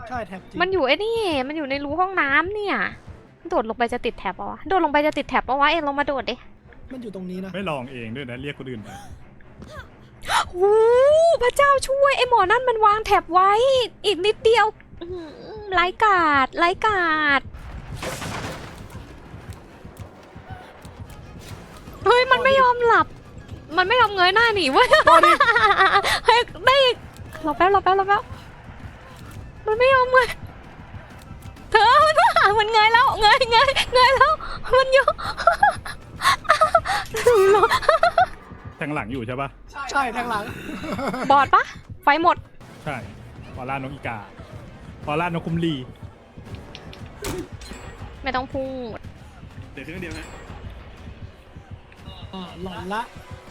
ใช่แท็บจริงมันอยู่ไอ้นี่มันอยู่ในรูห้องน้ำเนี่ยโดดลงไปจะติดแท็บปะวะโดดลงไปจะติดแท็บปะวะเอ็งลงมาโดดดิมันอยู่ตรงนี้นะไม่ลองเองด้วยนะเรียกคนอื่นไปโอ้พระเจ้าช่วยไอ้หมอนั่นมันวางแท็บไว้อีกนิดเดียวอื้อหือไร้กาดไร้กาดเฮ้ยมันไม่ยอมหลับมันไม่ยอมเงยหน้าหนีเว้ยเฮ้ยได้อีกรอแป๊บมันไม่ยอมเงยเธอมันเงยแล้วเงยแล้วมันยอมแทงหลังอยู่ใช่ปะใช่แทงหลังบอดปะไฟหมดใช่พอล่านกอีกาพอล่านกคุมลีไม่ต้องพูดเดี๋ยวเครื่องเดียวนะหลอนละ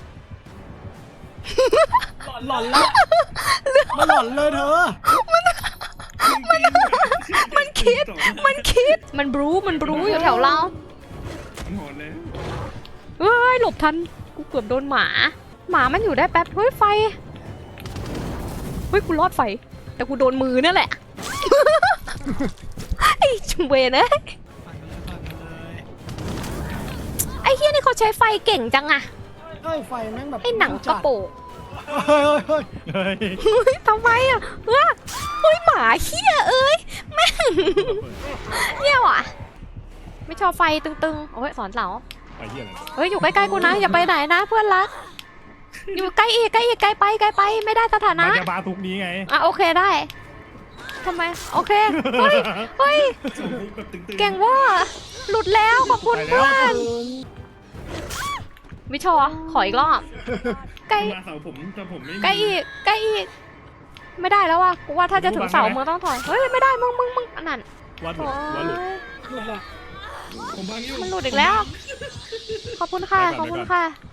หลอนละมันหลอนเลยเธอมันคิดมันบรูอยู่แถวเรามันโหดเลยเฮ้ยหลบทันกูเกือบโดนหมามันอยู่ได้แป๊บเฮ้ยไฟเฮ้ยกูรอดไฟแต่กูโดนมือนั่นแหละ ไอ้จุเวนะปั่นกันเลยไอ้เฮียนี่เขาใช้ไฟเก่งจังอะเฮ้ยไฟแม่งแบบไอ้หนังกระโปงเฮ้ยเฮ้ยเฮ้ยทำไมอะเฮ้ยหมาเฮียเอ้ยแม่งเนี่ยว่ะไม่ชอบไฟตึงๆโอ้ยสอนเสาไปเหี้ยอะไรเฮ้ยอยู่ใกล้ๆกูนะอย่าไปไหนนะเพื่อนรักอยู่ใกล้อีกใกล้ไปไม่ได้สถานะมันจะมาทุกนี้ไงอ่ะโอเคได้ทำไมโอเคเฮ้ยแบบตึงๆเก่งว่าหลุดแล้วขอบคุณเพื่อนวิชอขออีกรอบใกล้มาเสาผมแต่ผมไม่มีใกล้อีกไม่ได้แล้วว่ะกูว่าถ้าจะถึงเสามึงต้องถอยเฮ้ยไม่ได้มึงอันนั้นวัดหลุโอ้ดวัดหลุดยหลุดละผมบางอยู่มันหลุดอีกแล้ว ขอบคุณค่ะ